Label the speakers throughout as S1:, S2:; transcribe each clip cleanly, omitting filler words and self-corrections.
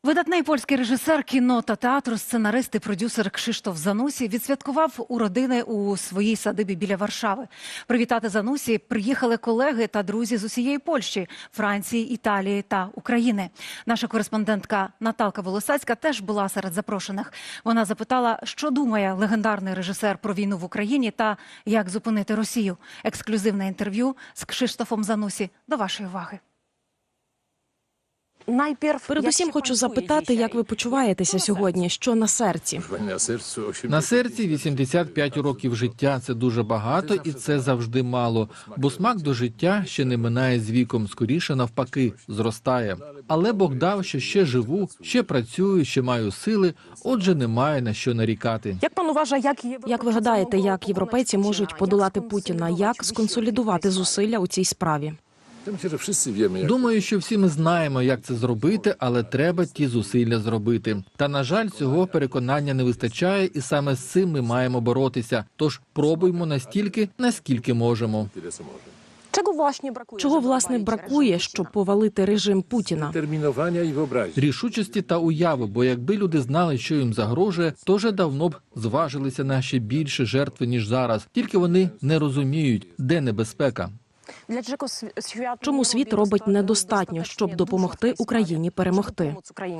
S1: Видатний польський режисер кіно та театру, сценарист і продюсер Кшиштоф Занусі відсвяткував у родини у своїй садибі біля Варшави. Привітати Занусі приїхали колеги та друзі з усієї Польщі, Франції, Італії та України. Наша кореспондентка Наталка Волосацька теж була серед запрошених. Вона запитала, що думає легендарний режисер про війну в Україні та як зупинити Росію. Ексклюзивне інтерв'ю з Кшиштофом Занусі до вашої уваги.
S2: Передусім хочу запитати, як ви почуваєтеся сьогодні, що на серці?
S3: На серці 85 років життя – це дуже багато і це завжди мало, бо смак до життя ще не минає з віком, скоріше навпаки, зростає. Але Бог дав, що ще живу, ще працюю, ще маю сили, отже немає на що нарікати.
S2: Як пан вважає, як ви гадаєте, як європейці можуть подолати Путіна, як сконсолідувати зусилля у цій справі?
S3: Думаю, що всі ми знаємо, як це зробити, але треба ті зусилля зробити. Та, на жаль, цього переконання не вистачає, і саме з цим ми маємо боротися. Тож пробуймо настільки, наскільки можемо.
S2: Чого, власне, бракує, щоб повалити режим Путіна?
S3: Рішучості та уяви, бо якби люди знали, що їм загрожує, то вже давно б зважилися на ще більше жертви, ніж зараз. Тільки вони не розуміють, де небезпека.
S2: Чому світ робить недостатньо, щоб допомогти Україні перемогти?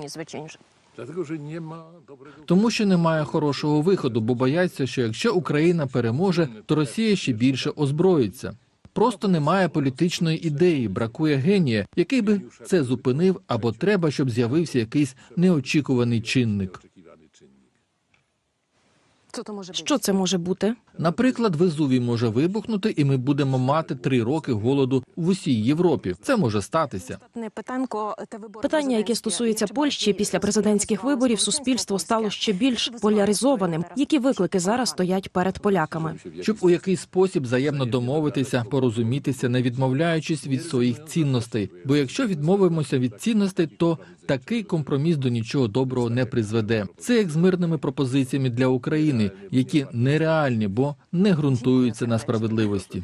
S3: Тому що немає хорошого виходу, бо бояться, що якщо Україна переможе, то Росія ще більше озброїться. Просто немає політичної ідеї, бракує генія, який би це зупинив, або треба, щоб з'явився якийсь неочікуваний чинник.
S2: Що це може бути?
S3: Наприклад, Везувій може вибухнути, і ми будемо мати 3 роки голоду в усій Європі. Це може статися.
S2: Питання, яке стосується Польщі, після президентських виборів суспільство стало ще більш поляризованим. Які виклики зараз стоять перед поляками?
S3: Щоб у якийсь спосіб взаємно домовитися, порозумітися, не відмовляючись від своїх цінностей. Бо якщо відмовимося від цінностей, то такий компроміс до нічого доброго не призведе. Це як з мирними пропозиціями для України, які нереальні, бо не ґрунтуються на справедливості.